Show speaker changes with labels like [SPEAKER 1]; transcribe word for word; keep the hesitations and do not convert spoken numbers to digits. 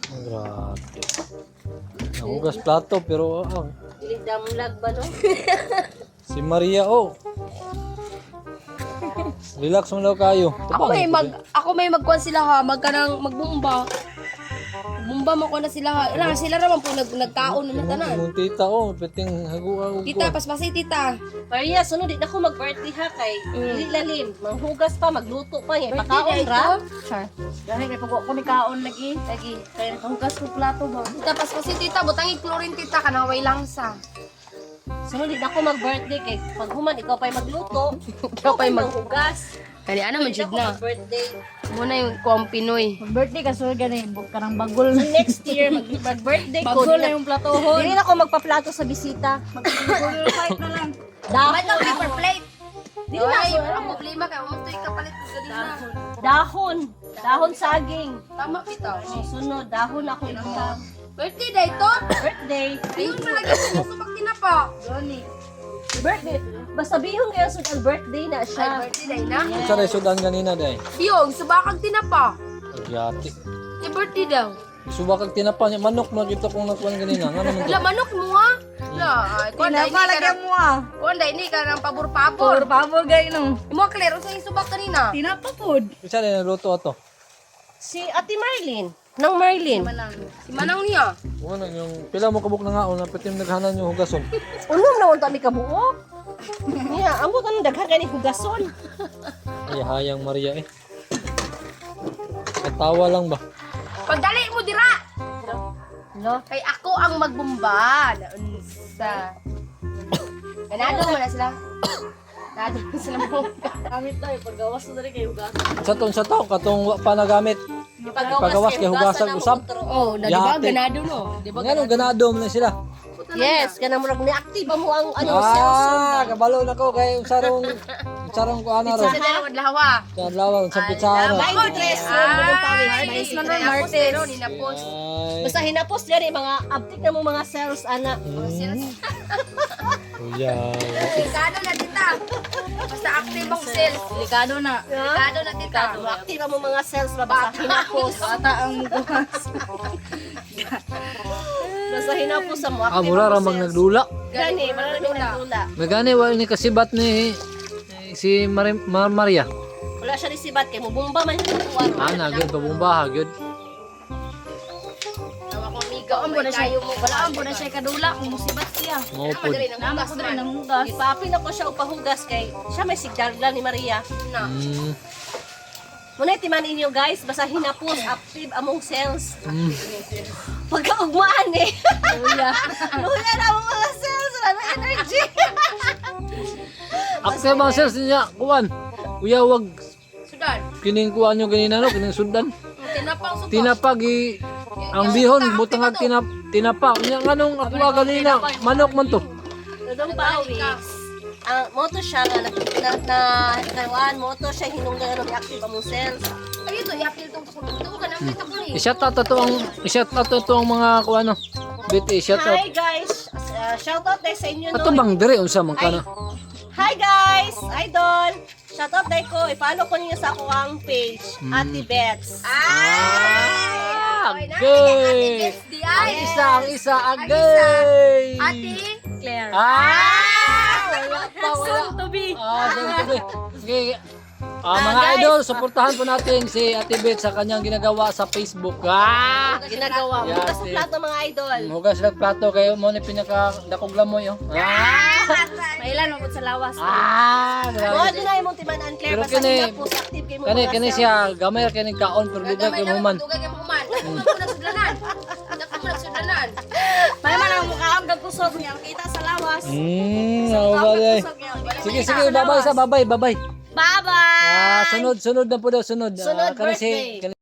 [SPEAKER 1] Grabe. Nahugas plato pero ah,
[SPEAKER 2] Damlag ba no?
[SPEAKER 1] si Maria oh. Relax mo daw kayo.
[SPEAKER 3] Ako may mag ako may magkuan sila ha, magkanang magbumba. Bumba mo ko na sila ha. Wala sila raman po nag nagkaon na tanan.
[SPEAKER 1] Mong tita oh, peting haguan.
[SPEAKER 3] Tita, paspasi tita.
[SPEAKER 2] Maria, sunod din ako mag-birthday ha kay dili lalim. Manghugas pa, magluto pa, yan. Pakaon ra.
[SPEAKER 3] Char.
[SPEAKER 4] Dahil kay pag ko ni kaon lagi, lagi kay nakahugas ko plato ba.
[SPEAKER 3] Tita, paspasi tita, butang i-chlorine tita kana way lang sa.
[SPEAKER 2] Sunod din ako mag-birthday kay pag human ikaw pa'y magluto,
[SPEAKER 3] Ikaw pa'y mag-
[SPEAKER 2] manghugas.
[SPEAKER 3] Kani ano man
[SPEAKER 2] Sunod
[SPEAKER 3] jud
[SPEAKER 2] ako
[SPEAKER 3] na.
[SPEAKER 2] mag-birthday.
[SPEAKER 3] Muna yung kuang Pinoy.
[SPEAKER 4] Pag birthday ka so ganin, buk ka ng bagol.
[SPEAKER 2] So next year mag- mag-birthday ko.
[SPEAKER 4] Bagol
[SPEAKER 2] Dili
[SPEAKER 4] na yung platohon.
[SPEAKER 2] dili na ako magpaplato sa bisita.
[SPEAKER 4] Bagol fight na lang.
[SPEAKER 3] Dapat
[SPEAKER 2] Dahon.
[SPEAKER 3] ang paper plate.
[SPEAKER 2] Dili na
[SPEAKER 3] Ay,
[SPEAKER 2] ako.
[SPEAKER 3] ang problema ka, umutoy ka palit sa ganina.
[SPEAKER 2] Dahon. Dahon saging.
[SPEAKER 3] Tama bitaw.
[SPEAKER 2] Oh, sunod, dahon ako ilang
[SPEAKER 3] Birthday day to.
[SPEAKER 2] birthday.
[SPEAKER 3] Ayun malagi sa subak tinapa.
[SPEAKER 4] Doni.
[SPEAKER 2] Birthday. Basta bihon kayo sa birthday na
[SPEAKER 3] Ay,
[SPEAKER 2] siya.
[SPEAKER 3] birthday day na.
[SPEAKER 1] Sa resudan ganina day.
[SPEAKER 3] Biyong, subakag tinapa.
[SPEAKER 1] Yati.
[SPEAKER 3] Yung birthday daw.
[SPEAKER 1] Subakag tinapa niya manok na kita kung nakuan ganina. Nga naman
[SPEAKER 3] Wala,
[SPEAKER 1] to.
[SPEAKER 3] manok mo ha. Wala, ay, kuwan da,
[SPEAKER 4] Tinapa
[SPEAKER 3] hindi ka
[SPEAKER 4] lagyan
[SPEAKER 3] na,
[SPEAKER 4] mo ah.
[SPEAKER 3] kuwan da, hindi ka ng
[SPEAKER 4] Por
[SPEAKER 3] pabor-pabor.
[SPEAKER 4] pabor gay no.
[SPEAKER 3] Mo klaro sa yung subak kanina.
[SPEAKER 4] Tinapa pod.
[SPEAKER 1] Isa rin naluto ato.
[SPEAKER 2] Si Ate Marlene. Nang Marlene.
[SPEAKER 3] Si Manang niya.
[SPEAKER 1] Ano yung pila mo kabuk na nga na peting naghanan yung hugason.
[SPEAKER 2] Unom na unta mi kabuo. Niya, amo ka nang daghan ka ni hugason.
[SPEAKER 1] Ay hayang Maria eh. Katawa lang ba?
[SPEAKER 3] Pagdali mo dira.
[SPEAKER 2] Lo.
[SPEAKER 3] Kay ako ang magbumba. Naunsa. Ganado mo na sila. Ganado mo sila mo.
[SPEAKER 4] Gamit tayo paggawas na rin kay hugas.
[SPEAKER 1] Sa ton sa tao katong wa pa nagamit. Pagawas kay hugasan usab.
[SPEAKER 3] Oh, na di ba?
[SPEAKER 1] Yate.
[SPEAKER 3] Ganado no. Di ba?
[SPEAKER 1] Ngano ganado mo na sila.
[SPEAKER 2] Yes, kana murag ni active mo ang ano cellphone.
[SPEAKER 1] Ah, kabalo na ko kay sarong sarong ko ana ro.
[SPEAKER 3] Sa dalawang lawa.
[SPEAKER 1] Sa lawan sa pitsara.
[SPEAKER 2] ninety-three ron mo ng pawis.
[SPEAKER 3] Martes man ron,
[SPEAKER 2] ninety-three.
[SPEAKER 3] Martes. Ninapos.
[SPEAKER 1] Ay.
[SPEAKER 2] Basta hinapos gani mga update na mo mga cells ana.
[SPEAKER 1] Kuya.
[SPEAKER 3] Delikado na tita. Basta active ang cell.
[SPEAKER 4] Delikado na.
[SPEAKER 3] Delikado na tita.
[SPEAKER 2] Active mo mga cells ba basta hinapos.
[SPEAKER 4] Bata ang mugas.
[SPEAKER 2] Basta hinapos sa mo.
[SPEAKER 1] Ah,
[SPEAKER 2] active
[SPEAKER 1] mura
[SPEAKER 2] ang
[SPEAKER 1] ra
[SPEAKER 2] cells.
[SPEAKER 1] mag nagdula.
[SPEAKER 2] Gani, maraming nagdula.
[SPEAKER 1] Nagani wa ni kasibat ni eh, si Mar Mar Maria.
[SPEAKER 2] Wala siya risibat kay mo bumba man siya kuwaro.
[SPEAKER 1] Ah, nagud pabumbaha gyud.
[SPEAKER 3] Tawa ko amiga.
[SPEAKER 4] Ang mo na siya. Wala ang mo na siya kadula kung musibat siya.
[SPEAKER 1] Mao pud.
[SPEAKER 3] Madali nang
[SPEAKER 4] Nama
[SPEAKER 3] hugas
[SPEAKER 4] ko
[SPEAKER 3] man.
[SPEAKER 4] rin ng hugas.
[SPEAKER 2] Ipapin ako siya upahugas kay siya may sigdala ni Maria.
[SPEAKER 3] Na.
[SPEAKER 1] Mm.
[SPEAKER 2] Muna timan inyo guys, basta hinapos active among cells.
[SPEAKER 1] Mm.
[SPEAKER 2] Pagkaugmaan eh.
[SPEAKER 4] Luya.
[SPEAKER 2] Luya na among mga cells, wala na energy.
[SPEAKER 1] Akse mga sales niya, kuan. Kuya wag
[SPEAKER 3] Sudan.
[SPEAKER 1] kining kuan nyo ganina no, kining sundan.
[SPEAKER 3] Tinapang subak.
[SPEAKER 1] Tinapag i ang bihon butang ag tinap tinapa. Nya nganong ako nga ganina, manok man to.
[SPEAKER 2] Dudong pawis. Ang moto siya nga na na na kawan moto siya hinungdan ano active among cells.
[SPEAKER 3] Ay, ito, yapil itong tukulong. Ito ko ka namin ito ko eh.
[SPEAKER 1] I-shout out to ang i-shout out to ang mga kuan no. Bit i-shout out.
[SPEAKER 2] Hi guys, uh, shout out tayo sa inyo
[SPEAKER 1] Ato
[SPEAKER 2] no.
[SPEAKER 1] bang dire unsa man kana?
[SPEAKER 2] Hi guys, idol. Shout out tayo ko. I-follow ko niyo sa ako ang page, Ate Bets.
[SPEAKER 1] Ah,
[SPEAKER 3] Okay na.
[SPEAKER 1] gay.
[SPEAKER 3] Ate Bets di
[SPEAKER 1] Ang
[SPEAKER 3] ay.
[SPEAKER 1] isa, ang isa, agay.
[SPEAKER 3] Ate.
[SPEAKER 2] Claire.
[SPEAKER 1] Ah! Wala pa, wala.
[SPEAKER 4] Soon to be.
[SPEAKER 1] Ah, doon to be. Okay. Ah, mga idol, suportahan po natin si Ate Beth sa kanyang ginagawa sa Facebook. Ah!
[SPEAKER 2] Ginagawa.
[SPEAKER 1] Yeah,
[SPEAKER 2] Bukas sa
[SPEAKER 1] Ate.
[SPEAKER 2] plato mga idol.
[SPEAKER 1] Hugas lang plato kayo mo ni pinaka dakog lamoy oh. Ah!
[SPEAKER 4] Mailan mo sa lawas.
[SPEAKER 1] Ah!
[SPEAKER 2] Mga
[SPEAKER 1] grabe.
[SPEAKER 2] doon ay mong timanan Claire.
[SPEAKER 1] Pero
[SPEAKER 2] Basta
[SPEAKER 1] kini-
[SPEAKER 2] hinapos active kay mo
[SPEAKER 1] Kani
[SPEAKER 2] mga
[SPEAKER 1] kani
[SPEAKER 2] cells.
[SPEAKER 1] siya gamay ra kini kaon pero dugay kay human.
[SPEAKER 3] Dugay kay human. Dako mo nagsudlanan. Dako mo nagsudlanan.
[SPEAKER 4] May man ang mukha ang gagkusog niya. Kita sa lawas.
[SPEAKER 1] Hmm, ano ba day? Sige, sige, babay sa babay, babay.
[SPEAKER 4] Bye-bye!
[SPEAKER 1] Ah, sunod, sunod na po daw, sunod. Ah,
[SPEAKER 2] Sunod
[SPEAKER 1] kani si-
[SPEAKER 2] birthday.
[SPEAKER 1] kani